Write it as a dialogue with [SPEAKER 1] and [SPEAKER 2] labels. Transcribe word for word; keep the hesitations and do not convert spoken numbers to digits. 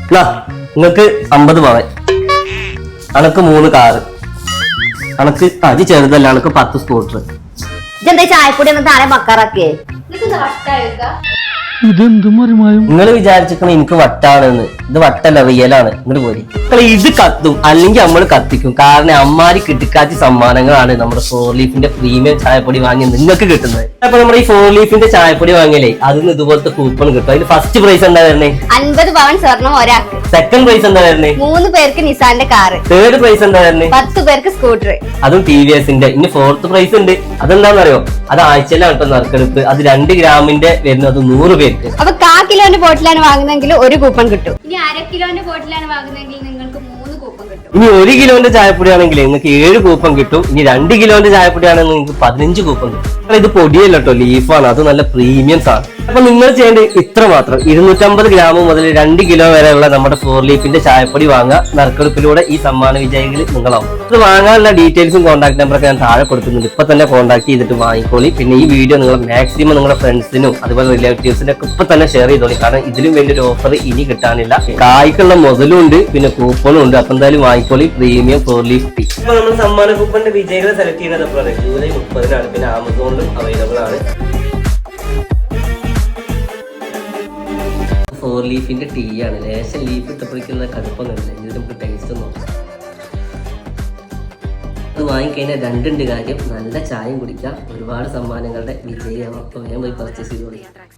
[SPEAKER 1] നിങ്ങൾക്ക് അമ്പത് പവൻ, അനക്ക് മൂന്ന് കാറ്, അനക്ക് അത് ചെറുതല്ല, അനക്ക് പത്ത് സ്കൂട്ടർ.
[SPEAKER 2] ഇതെന്താ ചായപ്പൊടി ഒന്ന് താഴെ മക്കാറാക്കിയേ?
[SPEAKER 1] നിങ്ങൾ വിചാരിച്ചിരിക്കണ എനിക്ക് വട്ടാണെന്ന്. ഇത് വട്ടല്ല, റിയലാണ്. ഇങ്ങോട്ട് പോരി. മക്കളെ ഇത് കത്തും അല്ലെങ്കിൽ നമ്മൾ കത്തിക്കും. കാരണം അമ്മാരി കിട്ടിക്കാച്ച സമ്മാനങ്ങളാണ് നമ്മുടെ ഫോർ ലീഫിന്റെ പ്രീമിയം ചായപ്പൊടി വാങ്ങി നിങ്ങൾക്ക് കിട്ടുന്നത്. അപ്പൊ നമ്മുടെ ഈ ഫോർ ലീഫിന്റെ ചായപ്പൊടി വാങ്ങിയാലേ അതിന് ഇതുപോലത്തെ കൂപ്പൺ കിട്ടും. അതിന് ഫസ്റ്റ് പ്രൈസ് എന്താ വരുന്നേ?
[SPEAKER 2] അൻപത് പവൻ സ്വർണം ഒരാൾക്ക്.
[SPEAKER 1] സെക്കൻഡ് പ്രൈസ് എന്താ വരുന്നേ?
[SPEAKER 2] മൂന്ന് പേർക്ക് നിസാന്റെ കാറ്.
[SPEAKER 1] തേർഡ് പ്രൈസ് എന്താ വരുന്നേ?
[SPEAKER 2] പത്ത് പേർക്ക് സ്കൂട്ടർ,
[SPEAKER 1] അതും ടി വി എസിന്റെ. ഇനി ഫോർത്ത് പ്രൈസ് ഉണ്ട്. അതെന്താണെന്നറിയോ? അത് ആഴ്ചയിലാണ് കേട്ടോ നറുക്കെടുപ്പ്. അത് രണ്ട് ഗ്രാമിന്റെ വരുന്നത് നൂറ് പേർക്ക്.
[SPEAKER 2] അപ്പൊ കാ കിലോന്റെ ബോട്ടിലാണ് വാങ്ങുന്നതെങ്കിൽ ഒരു കൂപ്പൺ കിട്ടും. ഇനി അര കിലോന്റെ ബോട്ടിലാണ് വാങ്ങുന്നതെങ്കിൽ നിങ്ങൾക്ക് മൂന്ന് കൂപ്പൺ കിട്ടും.
[SPEAKER 1] ഇനി ഒരു കിലോന്റെ ചായപ്പൊടി ആണെങ്കിൽ നിങ്ങൾക്ക് ഏഴ് കൂപ്പൺ കിട്ടും. ഇനി രണ്ട് കിലോന്റെ ചായപ്പൊടി ആണെങ്കിൽ നിങ്ങൾക്ക് പതിനഞ്ച് കൂപ്പൺ കിട്ടും. ഇത് പൊടിയല്ല കേട്ടോ, ലീഫാണ്. അത് നല്ല പ്രീമിയം ആണ്. അപ്പൊ നിങ്ങൾ ചെയ്യേണ്ടത് ഇത്ര മാത്രം. ഇരുന്നൂറ്റമ്പത് ഗ്രാം മുതൽ രണ്ട് കിലോ വരെയുള്ള നമ്മുടെ ഫോർ ലീഫിന്റെ ചായപ്പൊടി വാങ്ങുക. നറുക്കെടുപ്പിലൂടെ ഈ സമ്മാന വിജയികൾ നിങ്ങളാവും. ഇത് വാങ്ങാനുള്ള ഡീറ്റെയിൽസും കോൺടാക്ട് നമ്പറൊക്കെ ഞാൻ താഴെ കൊടുക്കുന്നുണ്ട്. ഇപ്പൊ തന്നെ കോൺടാക്ട് ചെയ്തിട്ട് വാങ്ങിക്കോളി. പിന്നെ ഈ വീഡിയോ നിങ്ങൾ മാക്സിമം നിങ്ങളുടെ ഫ്രണ്ട്സിനും അതുപോലെ റിലേറ്റീവ്സിനും ഒക്കെ ഇപ്പൊ തന്നെ ഷെയർ ചെയ്തോളി. കാരണം ഇതിലും വലിയൊരു ഓഫർ ഇനി കിട്ടാനില്ല. കായ്ക്കുള്ള മുതലും ഉണ്ട്, പിന്നെ കൂപ്പണും ഉണ്ട്. അപ്പൊ എന്തായാലും വാങ്ങിക്കോളി പ്രീമിയം ഫോർ ലീഫ് ടീ. ഇപ്പൊ നമ്മൾ സമ്മാന കൂപ്പണിന്റെ വിജയികളെ സെലക്ട് ചെയ്യുന്നത് എപ്പോഴാണ്? ജൂലൈ മുപ്പതിനാണ്. പിന്നെ ആമസോണിലും അവൈലബിൾ ആണ്. ഫോർ ലീഫിന്റെ ടീ ആണ്. ലേശം ലീഫ് ഇട്ടപ്പോഴേക്കുള്ള കടുപ്പൊന്നുമില്ല. ഇത് നമുക്ക് ടേസ്റ്റ് നോക്കാം. അത് വാങ്ങിക്കഴിഞ്ഞാൽ രണ്ടുണ്ട് കാര്യം. നല്ല ചായയും കുടിക്കാം, ഒരുപാട് സമ്മാനങ്ങളുടെ വിജയമാവും. അപ്പോൾ വേഗം പോയി പർച്ചേസ് ചെയ്തോളി.